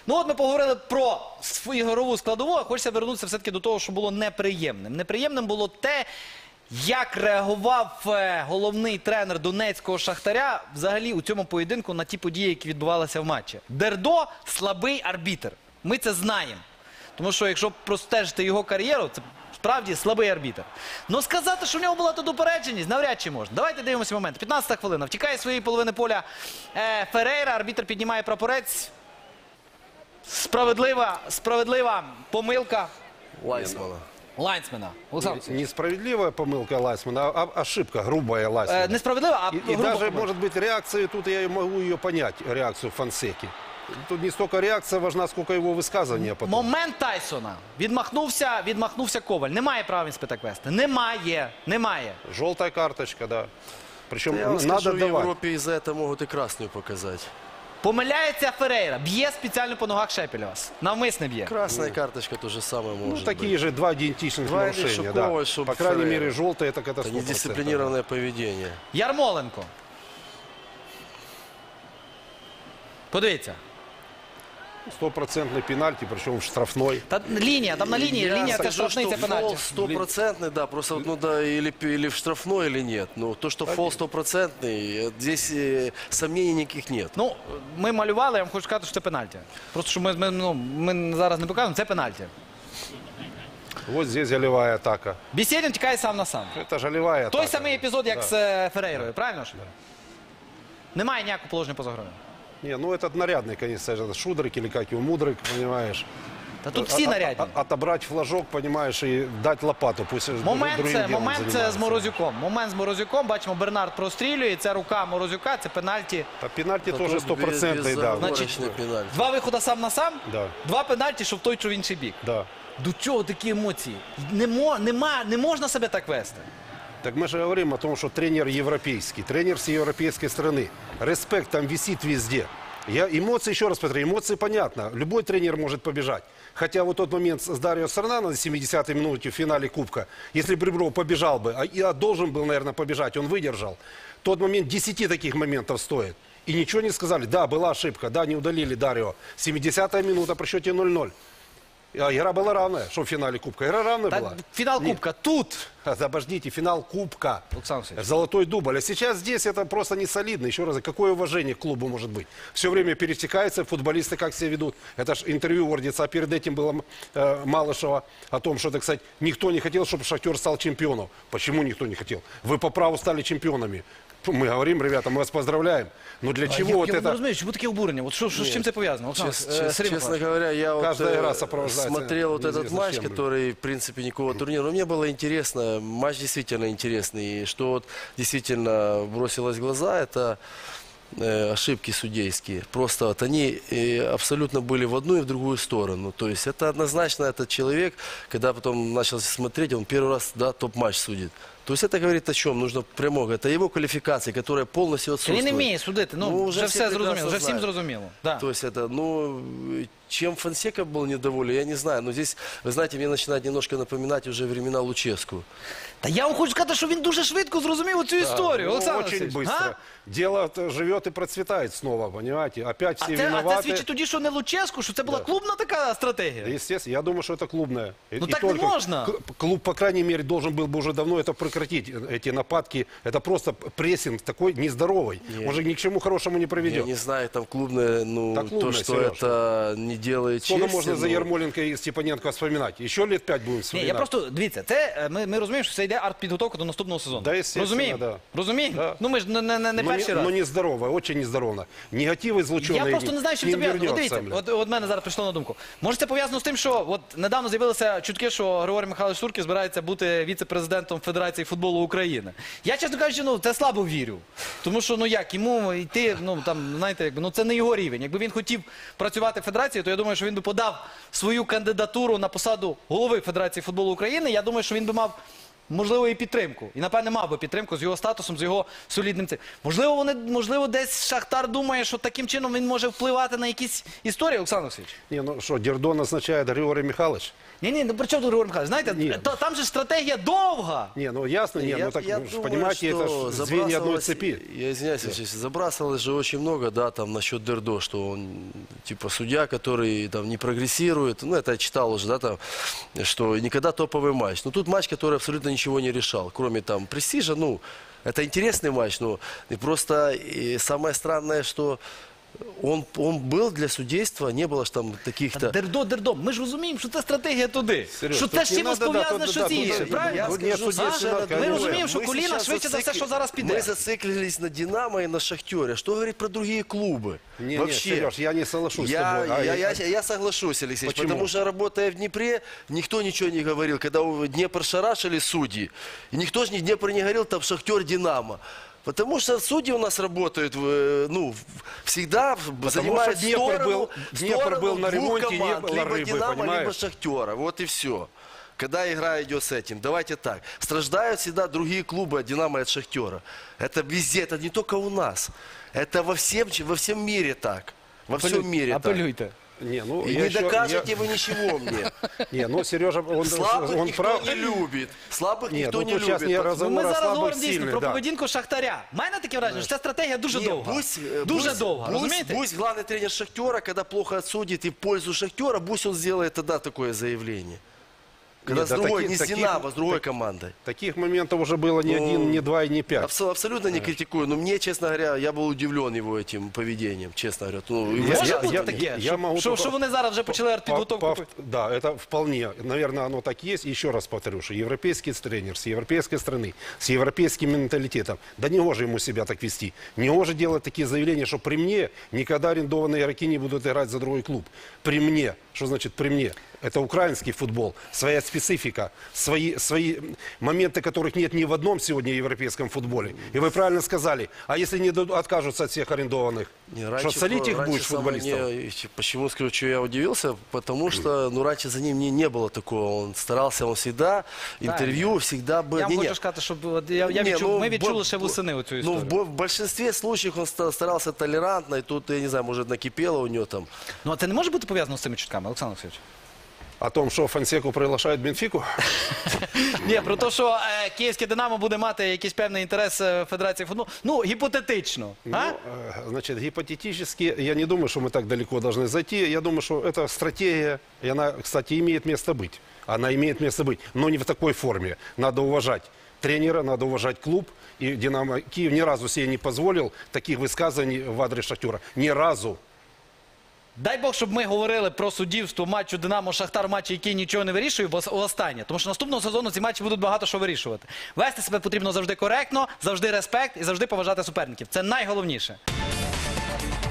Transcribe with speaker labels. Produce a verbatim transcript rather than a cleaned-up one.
Speaker 1: Ну от ми поговорили про свою ігрову складову, а хочеться вернутися все-таки до того, що було неприємним. Неприємним було те, як реагував головний тренер донецького Шахтаря взагалі у цьому поєдинку на ті події, які відбувалися в матчі. Дердо – слабий арбітр. Ми це знаємо. Тому що якщо простежити його кар'єру, це справді слабий арбітр. Но сказати, що в нього була тут упередженість, навряд чи можна. Давайте дивимося момент. п'ятнадцята хвилина. Втікає з своєї половини поля е, Ферейра. Арбітр піднімає прапорець. Справедлива, справедлива помилка
Speaker 2: Лайсмана.
Speaker 1: Лайнсмена. Олександр.
Speaker 3: Несправедливая помылка Лайсмана, а ошибка, грубая Лайсмана.
Speaker 1: Е, Несправедлива, а
Speaker 3: И, и
Speaker 1: груба
Speaker 3: даже,
Speaker 1: помилка.
Speaker 3: может быть, реакции, тут я могу ее понять, реакцию Фонсеки. Тут не столько реакция важна, сколько его высказывание потом.
Speaker 1: Момент Тайсона. Відмахнувся, відмахнувся Коваль. Немає права він спитак вести. Немає. Немає.
Speaker 3: Желтая карточка, да. Причем
Speaker 2: Я вам
Speaker 3: надо
Speaker 2: скажу, в
Speaker 3: давать.
Speaker 2: Европе из-за этого могут и красную показать.
Speaker 1: Помиляється Ферейра. Б'є спеціально по ногах Шепелєва. Навмисне б'є.
Speaker 2: Красная карточка то же самое
Speaker 3: Ну,
Speaker 2: может
Speaker 3: такие
Speaker 2: быть.
Speaker 3: же два идентичных
Speaker 2: Два
Speaker 3: нарушения,
Speaker 2: Ильшукова,
Speaker 3: да.
Speaker 2: чтоб
Speaker 3: По крайней
Speaker 2: Феррейра.
Speaker 3: мере, желтая это
Speaker 2: Это
Speaker 3: катастрофа.
Speaker 2: недисциплинированное поведение.
Speaker 1: Ярмоленко. Подивіться.
Speaker 3: Стопроцентный пенальти, причем штрафной.
Speaker 1: Та лінія, там на лінії,
Speaker 2: Я
Speaker 1: лінія це
Speaker 2: скажу,
Speaker 1: штрафний, це
Speaker 2: что
Speaker 1: пенальті.
Speaker 2: фол стопроцентный, да, просто вот, ну да, или, или в штрафной, или нет. Но то, что фол стопроцентный, э, здесь э, сомнений никаких нет.
Speaker 1: Ну, ми малювали, я вам хочу сказати, що це пенальті. Просто, що ми, ми, ну, ми зараз не показуємо, це пенальті.
Speaker 3: Вот здесь голевая атака.
Speaker 1: Бєсєдін тікає сам на сам.
Speaker 3: Это же голевая атака.
Speaker 1: Той самий епізод, як
Speaker 3: Да.
Speaker 1: з е, Ферейрою, правильно ж? Немає ніякого положення поза грою.
Speaker 3: Не, ну этот нарядный, конечно, это Шудрик или как его, Мудрик, понимаешь.
Speaker 1: Та тут всі
Speaker 3: А- а-
Speaker 1: нарядні.
Speaker 3: а- Отобрать флажок, понимаешь, и дать лопату. Пусть
Speaker 1: Момент
Speaker 3: другим
Speaker 1: це,
Speaker 3: делом
Speaker 1: момент це з
Speaker 3: занимается.
Speaker 1: Морозюком. Момент з Морозюком. Бачимо, Бернард прострілює. Це рука Морозюка, це пенальті.
Speaker 3: А пенальти
Speaker 2: Это
Speaker 3: тоже
Speaker 2: тут
Speaker 3: стопроцентный, да.
Speaker 2: безоговорочный пенальти.
Speaker 1: Два виходи сам на сам,
Speaker 3: Да.
Speaker 1: два пенальті, що в той, що в інший бік.
Speaker 3: Да.
Speaker 1: До чого такі емоції? Не, мо, нема, не можна себе так вести.
Speaker 3: Так мы же говорим о том, что тренер европейский, тренер с европейской страны. Респект там висит везде. Я, эмоции, еще раз повторю, эмоции понятно. Любой тренер может побежать. Хотя вот тот момент с Дарио Сорнано на семидесятой минуте в финале Кубка, если бы Ребров побежал бы, а я должен был, наверное, побежать, он выдержал. Тот момент десяти таких моментов стоит. И ничего не сказали. Да, была ошибка, да, не удалили Дарио. семидесятая минута при счете ноль ноль. А игра была равная, что в финале Кубка. Игра равная
Speaker 1: Та,
Speaker 3: была.
Speaker 1: фінал
Speaker 3: Нет.
Speaker 1: Кубка тут.
Speaker 3: А, Обождите, финал Кубка.
Speaker 1: Олександр Васильович.
Speaker 3: Золотой дубль. А сейчас здесь это просто не солидно. Еще раз, какое уважение к клубу может быть? Все время пересекаются, футболисты как себя ведут. Это ж интервью Ордица, а перед этим было э, Малышева о том, что, так сказать, никто не хотел, чтобы Шахтер стал чемпионом. Почему никто не хотел? Вы по праву стали чемпионами. Мы говорим, ребята, мы вас поздравляем. Но для чего
Speaker 1: я,
Speaker 3: вот
Speaker 1: я не
Speaker 3: это...
Speaker 1: розумію, чому таке обурення? От що, що, з чим це пов'язано? Олександр,
Speaker 2: Чес-
Speaker 1: е,
Speaker 2: чес-
Speaker 1: Сергій
Speaker 2: честно
Speaker 1: Миколаївич.
Speaker 2: говоря, я вот,
Speaker 3: Каждая игра
Speaker 2: э,
Speaker 3: сопровождается
Speaker 2: смотрел вот этот
Speaker 3: неизвестно
Speaker 2: матч,
Speaker 3: чем.
Speaker 2: который, в принципе, никакого турнира. Но мне было интересно, матч действительно интересный. И что вот действительно бросилось в глаза, это э, ошибки судейские. Просто вот они э, абсолютно были в одну и в другую сторону. То есть это однозначно этот человек, когда потом начал смотреть, он первый раз, да, топ-матч судит. То есть это говорит о чем? Нужно прямого. Это его квалификация, которая полностью отсутствует.
Speaker 1: Він не вміє судити. Ну,
Speaker 2: Ну,
Speaker 1: вже
Speaker 2: вже
Speaker 1: все
Speaker 2: всі
Speaker 1: зрозуміло,
Speaker 2: прекрасно
Speaker 1: вже всім
Speaker 2: знають.
Speaker 1: зрозуміло. Да.
Speaker 2: То есть это, ну, чем Фонсека был недоволен, я не знаю. Но здесь, вы знаете, мне начинает немножко напоминать уже времена Луческу.
Speaker 1: Та я вам хочу сказати, що він дуже швидко зрозумів цю історію,
Speaker 3: Ну,
Speaker 1: Олександр
Speaker 3: очень
Speaker 1: Васильович.
Speaker 3: быстро.
Speaker 1: А?
Speaker 3: Дело живет и процветает снова, понимаете? Опять
Speaker 1: А
Speaker 3: все
Speaker 1: це, а
Speaker 3: виноваты.
Speaker 1: це свідчить тоді, що не Луческу, що це була
Speaker 3: Да.
Speaker 1: клубна така стратегія.
Speaker 3: Естественно, я думаю, что это клубная. И-
Speaker 1: Ну
Speaker 3: и
Speaker 1: так не
Speaker 3: только
Speaker 1: можно.
Speaker 3: к- Клуб, по крайней мере, должен был бы уже давно это прекратить, э, эти нападки. Это просто прессинг такой нездоровый.
Speaker 2: Не.
Speaker 3: Он же ни к чему хорошему не
Speaker 2: Я
Speaker 3: приведет.
Speaker 2: не знаю, там клубное, ну,
Speaker 3: Так клубное,
Speaker 2: то, что
Speaker 3: Сереж.
Speaker 2: это не делает
Speaker 3: Сколько
Speaker 2: чести.
Speaker 3: можно за
Speaker 2: ну,
Speaker 3: Ермоленко и Степаненко вспоминать? Еще лет пять будем
Speaker 1: Ні,
Speaker 3: вспоминать.
Speaker 1: я просто, дивіться, це, е, ми, ми розуміємо, що це йде арт-підготовка до наступного сезону.
Speaker 3: Да, естественно,
Speaker 1: Розуміємо?
Speaker 3: да.
Speaker 1: Розуміємо?
Speaker 3: Да.
Speaker 1: Ну ми ж не, не, не
Speaker 3: но,
Speaker 1: перший
Speaker 3: не,
Speaker 1: раз.
Speaker 3: но нездорово, очень нездорово. Негатив излученный
Speaker 1: Я просто не знаю, що
Speaker 3: к
Speaker 1: це
Speaker 3: ним
Speaker 1: пов'язано. От
Speaker 3: вернется,
Speaker 1: дивіться,
Speaker 3: блин.
Speaker 1: от, от мене зараз прийшло на думку. Може це пов'язано з тим, що от недавно з'явилися чутки, що Григорій Михайлович Суркіс збирається бути віце-президентом Федерації футболу України. Я, чесно кажучи, ну, це слабо вірю. Тому що, ну як, йому йти, ну там, знаєте, якби, ну це не його рівень. Якби він хотів працювати в Федерації, то я думаю, що він би подав свою кандидатуру на посаду голови Федерації футболу України. Я думаю, що він би мав можливо, і підтримку. І, напевне, мав би підтримку з його статусом, з його солідним цим. Можливо, вони, можливо, десь Шахтар думає, що таким чином він може впливати на якісь історії, Олександр Олексійович?
Speaker 3: Не, ну что, Дердо назначает Григорий Михайлович?
Speaker 1: Ні-ні, ну при чому тут Григорій Михайлович? Знаєте,
Speaker 3: Ні.
Speaker 1: то, там же стратегія довга.
Speaker 3: Не, ну ясно, не,
Speaker 2: Я-
Speaker 3: ну так,
Speaker 2: я
Speaker 3: ну, ж,
Speaker 2: думаю,
Speaker 3: понимаете, это
Speaker 2: что
Speaker 3: ж звенья одной
Speaker 2: забрасывалось-
Speaker 3: цепи.
Speaker 2: Я извиняюсь, Алексей, забрасывалось же очень много, да, там насчет Дердо, что он типа судья, который там не прогрессирует. Ну, это я читал уже, да, там, что никогда топовый матч. Но тут матч, который абсолютно ничего не решал, кроме там престижа. Ну, это интересный матч, но и просто и самое странное, что он, он был для судейства, не было ж там таких-то...
Speaker 1: Дердо, Дердо, ми ж розуміємо, що це стратегія туди.
Speaker 3: Серьож,
Speaker 1: що
Speaker 3: тут
Speaker 1: це з
Speaker 3: не
Speaker 1: чимось
Speaker 3: надо, да,
Speaker 1: пов'язане
Speaker 3: тут,
Speaker 1: щось
Speaker 3: да, тут,
Speaker 1: інше,
Speaker 3: да,
Speaker 1: правильно?
Speaker 3: я
Speaker 2: Я
Speaker 3: Тут нет
Speaker 2: скажу
Speaker 3: судейства,
Speaker 2: совершенно
Speaker 3: мы
Speaker 2: другое.
Speaker 1: разумеем, что
Speaker 2: Мы
Speaker 1: Кулина
Speaker 2: сейчас
Speaker 1: швидше за все,
Speaker 2: зацикли-
Speaker 1: що зараз піде.
Speaker 2: Мы зациклились на «Динамо» и на «Шахтере». Что говорить про другие клубы?
Speaker 3: Не, не,
Speaker 2: Вообще.
Speaker 3: Сереж, я не соглашусь
Speaker 2: Я,
Speaker 3: с тобой. А
Speaker 2: я,
Speaker 3: я-
Speaker 2: я, я соглашусь, Алексей,
Speaker 3: Почему?
Speaker 2: потому что, работая в Днепре, никто ничего не говорил. Когда у Днепр шарашили судьи, и никто же не Днепр не говорил, там «Шахтер», «Динамо». Потому что судьи у нас работают, э, ну, всегда занимают
Speaker 3: что Днепр
Speaker 2: сторону,
Speaker 3: был- Днепр
Speaker 2: сторону
Speaker 3: был на
Speaker 2: двух
Speaker 3: ремонте, не
Speaker 2: команд,
Speaker 3: было
Speaker 2: либо
Speaker 3: рыбы,
Speaker 2: «Динамо»,
Speaker 3: понимаешь?
Speaker 2: либо «Шахтера». Вот и все. Когда игра идет с этим. Давайте так. Страждают всегда другие клубы от «Динамо» и от «Шахтера». Это везде, это не только у нас. Это во всем, во всем мире так. Во всем мире так.
Speaker 1: Апелюйте.
Speaker 3: Не, ну,
Speaker 2: И
Speaker 3: я
Speaker 2: не
Speaker 3: еще-
Speaker 2: докажете
Speaker 3: я-
Speaker 2: вы ничего мне.
Speaker 3: Не, ну, Сережа, он,
Speaker 2: Слабых
Speaker 3: он
Speaker 2: никто
Speaker 3: прав.
Speaker 2: не любит. Слабых
Speaker 3: Нет,
Speaker 2: никто
Speaker 3: ну
Speaker 2: не
Speaker 3: тут сейчас
Speaker 2: любит.
Speaker 3: не
Speaker 2: Потому-
Speaker 3: разговор
Speaker 1: Ну, ми
Speaker 3: о
Speaker 1: зараз
Speaker 3: слабых,
Speaker 1: говоримо дійсно
Speaker 3: сильных,
Speaker 1: про
Speaker 3: да.
Speaker 1: поведінку Шахтаря. У мене таке враження, що ця стратегія дуже
Speaker 2: Не,
Speaker 1: довга.
Speaker 2: Пусть, э,
Speaker 1: Дуже
Speaker 2: пусть-
Speaker 1: довга,
Speaker 2: пусть-
Speaker 1: розумієте?
Speaker 2: Пусть главный тренер «Шахтера», когда плохо отсудит и в пользу «Шахтера», пусть он сделает тогда такое заявление. Когда
Speaker 3: Нет,
Speaker 2: с
Speaker 3: да
Speaker 2: другой,
Speaker 3: таких-
Speaker 2: не с
Speaker 3: таких-
Speaker 2: «Динамо», с другой
Speaker 3: так-
Speaker 2: командой.
Speaker 3: Таких моментов уже было не
Speaker 2: Ну,
Speaker 3: один, не два и не пять.
Speaker 2: Абсо- Абсолютно не критикую, но мне, честно говоря, я был удивлен его этим поведением, честно говоря. Ну, и
Speaker 3: Я-
Speaker 1: Може
Speaker 3: я-
Speaker 1: бути
Speaker 3: я-
Speaker 1: таке,
Speaker 3: я
Speaker 1: що,
Speaker 3: можу
Speaker 1: що,
Speaker 3: только-
Speaker 1: що вони зараз вже почали
Speaker 3: По-
Speaker 1: підготовку?
Speaker 3: по- Да, это вполне. Наверное, оно так есть. Еще раз повторю, что европейский тренер с европейской страны, с европейским менталитетом. Да не гоже ему себя так вести. Не гоже делать такие заявления, что при мне никогда арендованные игроки не будут играть за другой клуб. При мне. Что значит при мне? Это украинский футбол, своя специфика, свои, свои моменты, которых нет ни в одном сегодня европейском футболе. И вы правильно сказали, а если не дадут- откажутся от всех арендованных,
Speaker 2: Не,
Speaker 3: что
Speaker 2: раньше
Speaker 3: солить
Speaker 2: про-
Speaker 3: их
Speaker 2: раньше
Speaker 3: будешь
Speaker 2: самое
Speaker 3: футболистов?
Speaker 2: не- почему скажу, что я удивился? Потому что, ну, раньше за ним не, не было такого. Он старался, он всегда, интервью всегда был.
Speaker 1: Я
Speaker 2: Не,
Speaker 1: вам
Speaker 2: не.
Speaker 1: хочу сказати, щоб от я, я
Speaker 2: Не,
Speaker 1: відчув,
Speaker 2: ну,
Speaker 1: ми відчули
Speaker 2: бо-
Speaker 1: ще восени оцю
Speaker 2: Ну,
Speaker 1: історію.
Speaker 2: в, бо- в большинстве случаев он ста- старался толерантно, и тут, я не знаю, может, накипело у него там.
Speaker 1: Ну, а це не може бути пов'язано з цими чутками, Олександр Олексійович?
Speaker 3: О том, что Фонсеку приглашают Бенфику?
Speaker 1: Ні, про те, що е, київське «Динамо» буде мати якийсь певний інтерес е, Федерації футболу. Ну, гіпотетично.
Speaker 3: Ну,
Speaker 1: А?
Speaker 3: э, значит, гипотетически, я не думаю, что мы так далеко должны зайти. Я думаю, что это стратегия, и она, кстати, имеет место быть. Она имеет место быть, но не в такой форме. Надо уважать тренера, надо уважать клуб. И «Динамо» Киев ни разу себе не позволил таких высказываний в адрес «Шахтера». Ни разу.
Speaker 1: Дай Бог, щоб ми говорили про суддівство матчу «Динамо-Шахтар», матчі, який нічого не вирішує, бо останнє. Тому що наступного сезону ці матчі будуть багато що вирішувати. Вести себе потрібно завжди коректно, завжди респект і завжди поважати суперників. Це найголовніше.